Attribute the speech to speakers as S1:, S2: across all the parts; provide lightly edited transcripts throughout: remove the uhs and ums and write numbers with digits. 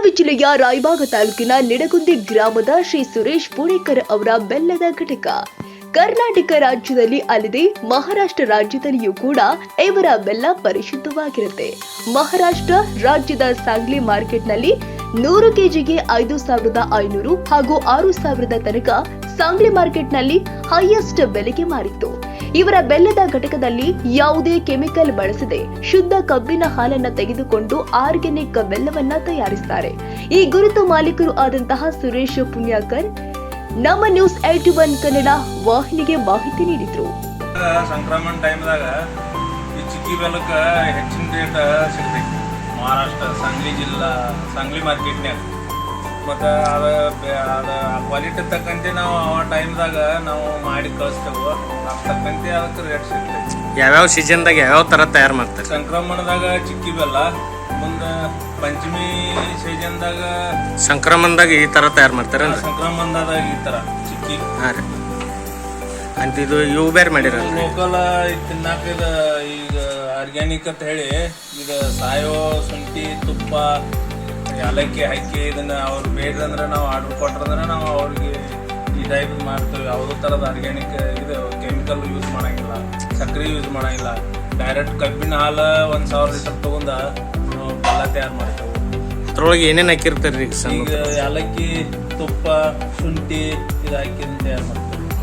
S1: ಬೆಳಗಾವಿ ಜಿಲ್ಲೆಯ ರಾಯಬಾಗ ತಾಲೂಕಿನ ನಿಡಗುಂದಿ ಗ್ರಾಮದ ಶ್ರೀ ಸುರೇಶ್ ಪುಣೇಕರ್ ಅವರ ಬೆಲ್ಲದ ಘಟಕ ಕರ್ನಾಟಕ ರಾಜ್ಯದಲ್ಲಿ ಅಲ್ಲದೆ ಮಹಾರಾಷ್ಟ್ರ ರಾಜ್ಯದಲ್ಲಿಯೂ ಕೂಡ ಇವರ ಬೆಲ್ಲ ಪರಿಶುದ್ಧವಾಗಿರುತ್ತೆ. ಮಹಾರಾಷ್ಟ್ರ ರಾಜ್ಯದ ಸಾಂಗ್ಲಿ ಮಾರ್ಕೆಟ್ನಲ್ಲಿ 100 ಕೆಜಿಗೆ 5,500 ಹಾಗೂ 6,000 ತನಕ ಸಾಂಗ್ಲಿ ಮಾರ್ಕೆಟ್ನಲ್ಲಿ ಹೈಯೆಸ್ಟ್ ಬೆಲೆಗೆ ಮಾರಿತ್ತು. ಇವರ ಬೆಲ್ಲದ ಘಟಕದಲ್ಲಿ ಯಾವುದೇ ಕೆಮಿಕಲ್ ಬಳಸದೆ ಶುದ್ಧ ಕಬ್ಬಿನ ಹಾಲನ್ನ ತೆಗೆದುಕೊಂಡು ಆರ್ಗ್ಯಾನಿಕ್ ಬೆಲ್ಲವನ್ನ ತಯಾರಿಸುತ್ತಾರೆ. ಈ ಗುರುತು ಮಾಲೀಕರು ಆದಂತಹ ಸುರೇಶ್ ಪುಣ್ಯಾಕರ್ ನಮ್ಮ ನ್ಯೂಸ್ 81 ಕನ್ನಡ ವಾಹಿನಿಗೆ ಮಾಹಿತಿ ನೀಡಿದ್ರು.
S2: ಸಂಕ್ರಮಣ ಟೈಮ್ದಾಗ ಈ ಚಿಕ್ಕಿ ಬೆಲ್ಲಕ್ಕ ಹೆಚ್ಚಿನ ರೇಟ್ ಸಿಗ್ತೈತಿ. ಮಹಾರಾಷ್ಟ್ರ ಸಾಂಗ್ಲಿ ಜಿಲ್ಲಾ ಸಾಂಗ್ಲಿ ಮಾರ್ಕೆಟ್ನ್ಯಾಗ ಮತ್ತು ಅದು ಕ್ವಾಲಿಟಿ ತಕ್ಕಂತೆ ನಾವು ಆ ಟೈಮ್ದಾಗ ನಾವು ಮಾಡಿ ಕಳಿಸ್ತೇವೆ. ಅದು ತಕ್ಕಂತೆ ಅದಕ್ಕೆ ರೇಟ್ ಸಿಗ್ತೈತಿ.
S3: ಯಾವ್ಯಾವ ಸೀಸನ್ದಾಗ ಯಾವ್ಯಾವ ಥರ ತಯಾರು ಮಾಡ್ತಾರೆ?
S2: ಸಂಕ್ರಮಣದಾಗ ಚಿಕ್ಕಿ ಬೆಲ್ಲ, ಮುಂದೆ ಪಂಚಮಿ ಸೀಸನ್ದಾಗ
S3: ಸಂಕ್ರಮಣದಾಗ ಈ ಥರ ತಯಾರು ಮಾಡ್ತಾರೆ.
S2: ಸಂಕ್ರಮಣದಾಗ ಈ ಥರ ಚಿಕ್ಕಿ.
S3: ಹಾಂ ರೀ. ಅಂತ ಇದು ಇವು ಬೇರೆ ಮಾಡಿರಲ್ಲ
S2: ಲೋಕಲ್ ತಿನ್ನಾಕ ಈಗ ಆರ್ಗ್ಯಾನಿಕ್ ಅಂತ ಹೇಳಿ ಇದು ಸಾಯೋ ಶುಂಠಿ ತುಪ್ಪ ಏಲಕ್ಕಿ ಹಾಕಿ ಇದನ್ನ ಅವ್ರು ಬೇಡ್ದಂದ್ರೆ ನಾವು ಆರ್ಡರ್ ಕೊಟ್ರಂದ್ರೆ ನಾವು ಅವ್ರಿಗೆ ಈ ಟೈಪ್ ಮಾಡ್ತೇವೆ. ಯಾವುದೋ ಥರದ ಆರ್ಗ್ಯಾನಿಕ್ ಇದು ಕೆಮಿಕಲ್ ಯೂಸ್ ಮಾಡಂಗಿಲ್ಲ, ಸಕ್ಕರೆ ಯೂಸ್ ಮಾಡಂಗಿಲ್ಲ. ಡೈರೆಕ್ಟ್ ಕಬ್ಬಿನ ಹಾಲು 1,000 ಲೀಟರ್ ತಗೊಂಡ ಬೆಲ್ಲ ತಯಾರು ಮಾಡ್ತೇವೆ.
S3: ಅದ್ರೊಳಗೆ ಏನೇನು ಹಾಕಿರ್ತಾರೆ
S2: ಈಗ ಏಲಕ್ಕಿ ತುಪ್ಪ ಶುಂಠಿ ಇದು ಹಾಕಿ ತಯಾರು ಮಾಡ್ತೇವೆ.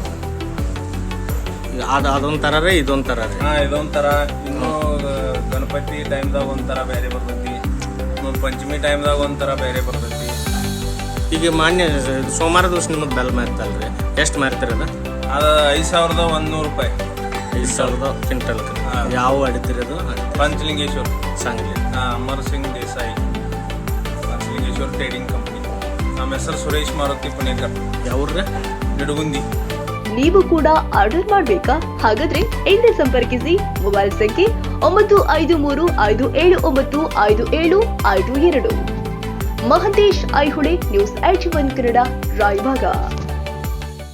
S3: ಅದೊಂದು ಥರ ರೀ, ಇದೊಂದು ಥರ ರೀ.
S2: ಹಾಂ, ಇದೊಂದು ಥರ. ಇನ್ನೂ ಗಣಪತಿ ಟೈಮ್ದಾಗ ಒಂಥರ ಬೇರೆ ಬರ್ತೈತಿ, ಪಂಚಮಿ ಟೈಮ್ದಾಗ ಒಂಥರ ಬೇರೆ ಬರ್ತೈತಿ.
S3: ಈಗ ಮಾನ್ಯ ಸೋಮವಾರ ದಿವಸ ನಿಮ್ಮದು ಬೆಲ್ಲ ಮಾರ್ತಲ್ರಿ, ಎಷ್ಟು ಮಾರ್ತೀರಿ ಅದು?
S2: 5,100 ರೂಪಾಯಿ.
S3: 5,000 ಕ್ವಿಂಟಲ್. ಯಾವ ಅಡಿತೀರಿ ಅದು?
S2: ಪಂಚಲಿಂಗೇಶ್ವರ್
S3: ಸಾಂಗ್ಲಿ.
S2: Amar Singh Desai, Panchalingeshwar trading company. ನಮ್ಮ ಹೆಸರು ಸುರೇಶ್ ಮಾರುತಿ ಪುಣೇಕರ್.
S3: ಯಾವ್ರಿ?
S2: ನಿಡಗುಂದಿ.
S1: ನೀವು ಕೂಡ ಆರ್ಡರ್ ಮಾಡಬೇಕಾ? ಹಾಗಾದ್ರೆ ಇಂದೇ ಸಂಪರ್ಕಿಸಿ. ಮೊಬೈಲ್ ಸಂಖ್ಯೆ 9535795752. ಮಹಂತೇಶ್ ಐಹೊಳೆ, ನ್ಯೂಸ್ 81 ಕನ್ನಡ, ರಾಯಬಾಗ.